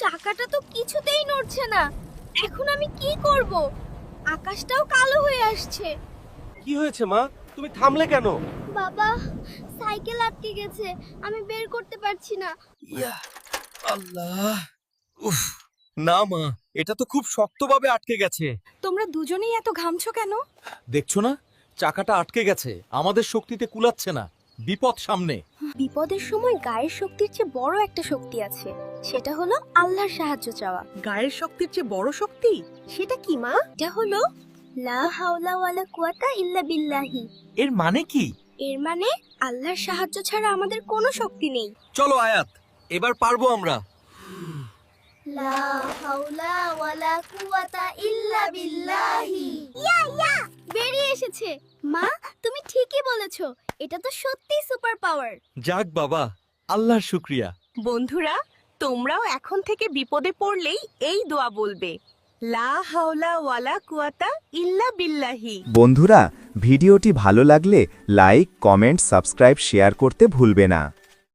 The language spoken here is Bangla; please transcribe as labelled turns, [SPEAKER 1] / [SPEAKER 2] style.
[SPEAKER 1] চাকাটা তো কিছুতেই নড়ছে না। এখন আমি কি করব? আকাশটাও কালো হয়ে আসছে।
[SPEAKER 2] কি হয়েছে মা, তুমি থামলে কেন?
[SPEAKER 1] বাবা, সাইকেল আটকে গেছে, আমি বের করতে পারছি না।
[SPEAKER 2] ইয়া আল্লাহ, উফ, না মা, এটা তো খুব শক্তভাবে আটকে গেছে।
[SPEAKER 1] তোমরা দুজনেই এত ঘামছো কেন?
[SPEAKER 2] দেখছো না, চাকাটা আটকে গেছে, আমাদের শক্তিতে কুলাচ্ছে না, বিপদ সামনে।
[SPEAKER 1] বিপদের সময় গায়ের শক্তির চেয়ে বড় একটা শক্তি আছে, সেটা হলো আল্লাহর সাহায্য চাওয়া।
[SPEAKER 3] গায়ের শক্তির চেয়ে বড় শক্তি?
[SPEAKER 1] সেটা কি মা? এটা হলো লা হাওলা ওয়ালা কুওয়াতা ইল্লা বিল্লাহি।
[SPEAKER 2] এর মানে কি?
[SPEAKER 1] এর মানে আল্লাহর সাহায্য ছাড়া আমাদের কোনো শক্তি নেই।
[SPEAKER 2] চলো আয়াত, এবার পারবো আমরা।
[SPEAKER 1] লা হাওলা ওয়ালা কুওয়াতা ইল্লা বিল্লাহি। ইয়া বেরিয়ে এসেছে। মা, তুমি ঠিকই বলেছো, এটা তো সত্যিই সুপার পাওয়ার।
[SPEAKER 2] যাক বাবা, আল্লাহর শুকরিয়া।
[SPEAKER 3] বন্ধুরা, তোমরাও এখন থেকে বিপদে পড়লেই এই দোয়া বলবে, লা হাওলা ওয়ালা কুওয়াতা ইল্লা বিল্লাহি।
[SPEAKER 4] বন্ধুরা, ভিডিওটি ভালো লাগলে লাইক, কমেন্ট, সাবস্ক্রাইব, শেয়ার করতে ভুলবে না।